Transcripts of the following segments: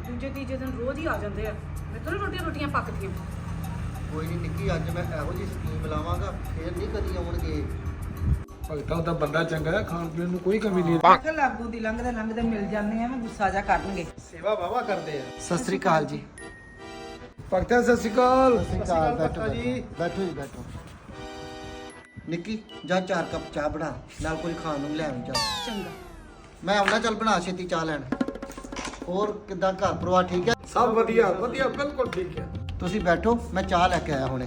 ਦੂਜੇ ਤੀਜੇ ਦਿਨ ਰੋਜ਼ ਹੀ ਆ ਜਾਂਦੇ ਆ। ਮੇਰੇ ਤੋਂ ਰੋਟੀਆਂ ਪੱਕਦੀਆਂ। ਕੋਈ ਨਹੀਂ ਨਿੱਕੀ, ਅੱਜ ਮੈਂ ਇਹੋ ਜਿਹੀ ਸਕੀਮ ਲਾਵਾਂਗਾ, ਫੇਰ ਨਹੀਂ ਕਦੀ ਆਉਣਗੇ। ਭਗਤਾ ਉਹਦਾ ਬੰਦਾ ਚੰਗਾ ਹੈ, ਖਾਣ ਪੀਣ ਨੂੰ ਕੋਈ ਕਮੀ ਨਹੀਂ। ਮੈਂ ਕਿਹਾ ਲਾਗੂ ਦੀ ਲੰਘਦੇ ਮਿਲ ਜਾਂਦੇ ਆ, ਮੈਂ ਗੁੱਸਾ ਜਾ ਕਰਨਗੇ। ਸੇਵਾ ਵਾਵਾ ਕਰਦੇ ਆ। ਸਤਿ ਸ੍ਰੀ ਅਕਾਲ ਜੀ। ਭਗਤਾ ਸਤਿ ਸ਼੍ਰੀ ਅਕਾਲ। ਸਤਿ ਸ੍ਰੀ ਅਕਾਲ। ਬੈਠੋ ਜੀ, ਬੈਠੋ ਜੀ, ਬੈਠੋ। ਨਿੱਕੀ ਜਾ 4 ਕੱਪ ਚਾਹ ਬਣਾ, ਨਾਲ ਕੋਈ ਖਾਣ ਨੂੰ ਲੈ ਆਵੀਂ ਚਾਹ। ਚੰਗਾ। ਮੈਂ ਆਉਣਾ, ਚੱਲ ਬਣਾ ਛੇਤੀ ਚਾਹ ਲੈਣ। ਹੋਰ ਕਿੱਦਾਂ ਘਰ ਪਰਿਵਾਰ ਠੀਕ ਹੈ? ਸਭ ਵਧੀਆ ਵਧੀਆ, ਬਿਲਕੁਲ ਠੀਕ ਹੈ। ਤੁਸੀਂ ਬੈਠੋ, ਮੈਂ ਚਾਹ ਲੈ ਕੇ ਆਇਆ ਹੁਣੇ।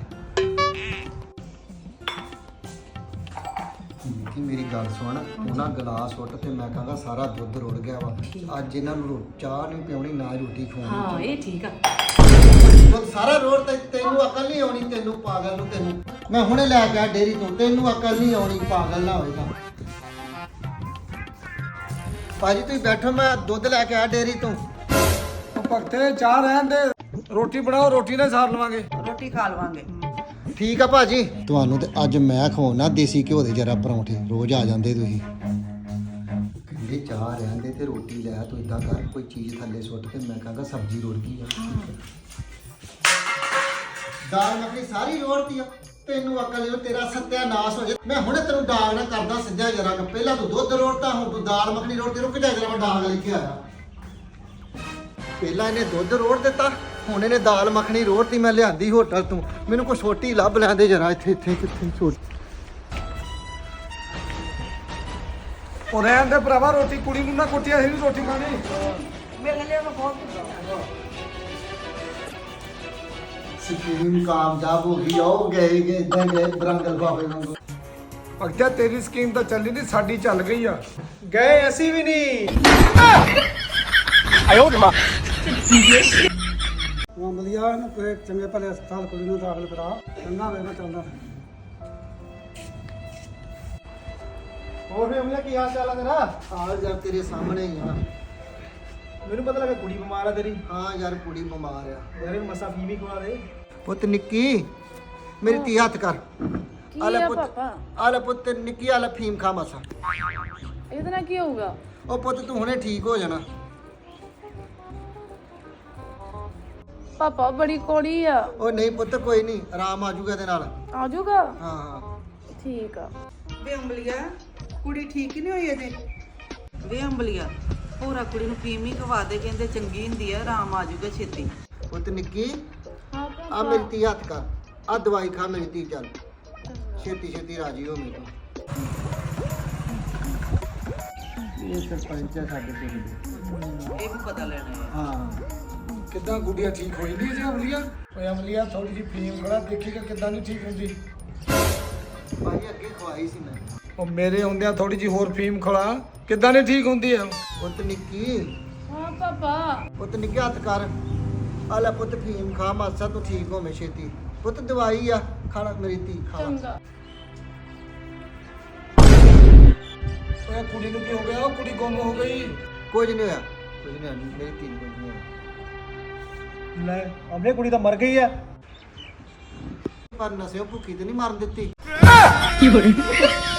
ਨਿੱਕੀ ਮੇਰੀ ਗੱਲ ਸੁਣ, ਉਹਨਾਂ ਗਲਾਸ ਉੱਟ ਤੇ ਮੈਂ ਕਹਾਂਗਾ ਸਾਰਾ ਦੁੱਧ ਰੁੜ ਗਿਆ ਵਾ। ਅੱਜ ਇਹਨਾਂ ਨੂੰ ਚਾਹ ਨਹੀਂ ਪਿਉਣੀ, ਨਾ ਰੋਟੀ ਖਵਾਉਣੀ। ਹਾਂ ਇਹ ਠੀਕ ਆ। ਦੁੱਧ ਸਾਰਾ ਰੋੜ ਤੇ ਤੈਨੂੰ ਅਕਲ ਨਹੀਂ ਆਉਣੀ, ਤੈਨੂੰ ਪਾਗਲ ਨੂੰ। ਤੈਨੂੰ ਮੈਂ ਹੁਣੇ ਲੈ ਕੇ ਆ ਡੇਰੀ ਤੋਂ, ਤੈਨੂੰ ਅਕਲ ਨਹੀਂ ਆਉਣੀ, ਪਾਗਲ ਨਾ ਹੋਏਗਾ। ਭਾਜੀ ਤੁਸੀਂ ਬੈਠੋ, ਮੈਂ ਦੁੱਧ ਲੈ ਕੇ ਆ ਡੇਰੀ ਤੋਂ। ਉਹ ਭਗਤੇ ਚਾਹ ਰਹਿਣ ਦੇ, ਰੋਟੀ ਬਣਾਓ, ਰੋਟੀ ਨਾਲ ਸਾਰ ਲਵਾਂਗੇ। ਰੋਟੀ ਖਾ ਲਵਾਂਗੇ। ਠੀਕ ਆ ਭਾਜੀ। ਤੁਹਾਨੂੰ ਤੇ ਅੱਜ ਮੈਂ ਖਵਾਉਣਾ ਦੇਸੀ ਘਿਓ ਦੇ ਜਰਾ ਪਰੌਂਠੇ, ਰੋਜ਼ ਆ ਜਾਂਦੇ ਤੁਸੀਂ। ਕਹਿੰਦੇ ਚਾਹ ਰਹਿਣ ਦੇ ਤੇ ਰੋਟੀ ਲੈ, ਤੂੰ ਇਦਾਂ ਕਰ ਕੋਈ ਚੀਜ਼ ਥੱਲੇ ਸੁੱਟ ਤੇ ਮੈਂ ਕਹਾਂਗਾ ਸਬਜ਼ੀ ਰੋੜ ਗਈ ਆ। ਦਾਲ ਮੱਖਣੀ ਸਾਰੀ ਰੋੜਤੀ ਆ। ਤੈਨੂੰ ਅਕਲ ਨਹੀਂ, ਤੇਰਾ ਸੱਤਿਆਨਾਸ਼ ਹੋ ਜਾ। ਮੈਂ ਹੁਣੇ ਤੈਨੂੰ ਡਾਗ ਨਾ ਕਰਦਾ ਸਿੱਧਾ ਜਰਾ। ਪਹਿਲਾਂ ਤੂੰ ਦੁੱਧ ਰੋੜਤਾ, ਹੁਣ ਤੂੰ ਦਾਲ ਮੱਖਣੀ ਰੋੜਦੀ। ਰੁਕ ਜਾ ਜਰਾ, ਮੈਂ ਡਾਗ ਲੈ ਕੇ ਆਇਆ। ਪਹਿਲਾਂ ਇਹਨੇ ਦੁੱਧ ਰੋੜ ਦਿੱਤਾ, ਹੁਣ ਇਹਨੇ ਦਾਲ ਮੱਖਣੀ ਰੋੜਤੀ। ਮੈਂ ਲਿਆਂਦੀ ਹੋਟਲ ਤੋਂ, ਮੈਨੂੰ ਕੋਈ ਛੋਟੀ ਲੱਭ ਲੈਂਦੇ ਜਰਾ। ਇੱਥੇ ਕਿੱਥੇ ਛੋਟੀ। ਉਹ ਰਹਿਣ ਦੇ ਭਰਾਵਾ, ਰੋਟੀ ਕੁੜੀ ਨੂੰ ਨਾ ਕੁੱਟਿਆ ਸੀ, ਰੋਟੀ ਖਾਣੀ। ਮੇਰੇ ਲਈ ਮੈਂ ਬਹੁਤ ਸਕੀਮ ਕਾਮਯਾਬ ਹੋ ਗਈ। ਆਓ ਗਏ ਇਦਾਂ ਗਏ ਬਰੰਗਲ ਬਾਬੇ ਵਾਂਗੂ। ਭਗਤਾ ਤੇਰੀ ਸਕੀਮ ਤਾਂ ਚੱਲੀ ਨਹੀਂ, ਸਾਡੀ ਚੱਲ ਗਈ ਆ। ਗਏ ਅਸੀਂ ਵੀ ਨਹੀਂ। ਮਾਮਲੀਆ ਨੂੰ ਕੋਈ ਚੰਗੇ ਭਲੇ ਹਸਪਤਾਲ ਕੁੜੀ ਨੂੰ ਦਾਖਲ ਕਰਾ। ਚੰਗਾ ਵੇ, ਮੈਂ ਚੱਲਦਾ। ਹੋਰ ਵੀ ਅਮਲਾ ਕੀ ਹਾਲ ਚਾਲ ਆ ਤੇਰਾ? ਆ ਯਾਰ ਤੇਰੇ ਸਾਹਮਣੇ ਹੀ ਆ। ਮੈਨੂੰ ਪਤਾ ਲੱਗਾ ਕੁੜੀ ਬਿਮਾਰ ਆ ਤੇਰੀ। ਹਾਂ ਯਾਰ ਕੁੜੀ ਬਿਮਾਰ ਆ। ਯਾਰ ਇਹਨੂੰ ਮਸਾ ਫੀਮ ਹੀ ਖਵਾ ਦੇ। ਪੁੱਤ ਨਿੱਕੀ ਮੇਰੀ ਧੀ ਹੱਥ ਕਰ। ਆ ਲੈ ਪੁੱਤ, ਆ ਲੈ ਪੁੱਤ ਨਿੱਕੀ, ਆ ਲੈ ਫੀਮ ਖਾ ਮਸਾ। ਇਹਦੇ ਨਾਲ ਕੀ ਹੋਊਗਾ? ਉਹ ਪੁੱਤ ਤੂੰ ਹੁਣੇ ਠੀਕ ਹੋ ਜਾਣਾ। ਪਾਪਾ ਬੜੀ ਕੋੜੀ ਆ। ਉਹ ਨਹੀਂ ਪੁੱਤ ਕੋਈ ਨਹੀਂ, ਆਰਾਮ ਆ ਜਾਊਗਾ ਇਹਦੇ ਨਾਲ। ਆ ਜਾਊਗਾ? ਹਾਂ ਹਾਂ ਠੀਕ ਆ। ਵੇ ਅੰਬਲੀਆ, ਕੁੜੀ ਠੀਕ ਹੀ ਨਹੀਂ ਹੋਈ ਅਜੇ। ਵੇ ਅੰਬਲੀਆ, ਪੂਰਾ ਕੁੜੀ ਨੂੰ ਫੀਮ ਹੀ ਖਵਾ ਦੇ, ਕਹਿੰਦੇ ਚੰਗੀ ਹੁੰਦੀ ਆ, ਆਰਾਮ ਆ ਜਾਊਗਾ ਛੇਤੀ। ਪੁੱਤ ਨਿੱਕੀ ਹਾਂ ਆ ਮੇਰੀ ਧੀ ਹੱਥ ਕਰ, ਆ ਦਵਾਈ ਖਾ ਮੇਰੀ ਧੀ। ਚੱਲ ਛੇਤੀ ਛੇਤੀ ਰਾਜੀ ਹੋ ਮੇਰੇ ਤੋਂ। ਇਹ ਸਰਪੰਚ ਹੈ ਸਾਡੇ ਪਿੰਡ ਦੇ। ਇਹ ਵੀ ਪਤਾ ਲੈਣਾ ਹੈ। ਹਾਂ ਕਿੱਦਾਂ ਗੁੱਡੀਆਂ ਠੀਕ ਹੋਈ ਨਹੀਂ ਜੀ ਅਮਲੀਆ? ਓਏ ਅਮਲੀਆ ਥੋੜੀ ਜਿਹੀ ਫੀਮ ਖੜਾ, ਦੇਖੀਗਾ ਕਿੱਦਾਂ ਨਹੀਂ ਠੀਕ ਹੁੰਦੀ। ਭਾਜੀ ਅੱਗੇ ਖਵਾਈ ਸੀ ਮੈਂ। ਉਹ ਮੇਰੇ ਹੁੰਦਿਆਂ ਥੋੜੀ ਜਿਹੀ ਹੋਰ ਫੀਮ ਖੜਾ, ਕਿੱਦਾਂ ਨਹੀਂ ਠੀਕ ਹੁੰਦੀ ਆ? ਪੁੱਤ ਨਿੱਕੀ, ਹਾਂ ਪਾਪਾ। ਪੁੱਤ ਨਿੱਕੀ ਹੱਥ ਕਰ। ਆ ਲੈ ਪੁੱਤ ਫੀਮ ਖਾ ਮਾਸਾ, ਤੂੰ ਠੀਕ ਹੋਵੇਂ ਛੇਤੀ। ਪੁੱਤ ਦਵਾਈ ਆ, ਖਾਣਾ ਮੇਰੀ ਧੀ ਖਾ। ਚੰਗਾ। ਓਏ ਕੁੜੀ ਨੂੰ ਕੀ ਹੋ ਗਿਆ? ਉਹ ਕੁੜੀ ਗੁੰਮ ਹੋ ਗਈ। ਕੁਝ ਨਹੀਂ ਹੋਇਆ, ਕੁਝ ਨਹੀਂ ਹੋਇਆ, ਮੇਰੀ ਧੀ ਨੂੰ ਕੁਝ ਨਹੀਂ ਹੋਇਆ। ਲੈ ਅਮਲੇ ਕੁੜੀ ਤਾਂ ਮਰ ਗਈ ਆ। ਪਰ ਨਸਿਓ ਭੁੱਖੀ ਤੇ ਨਹੀਂ ਮਰਨ ਦਿੱਤੀ।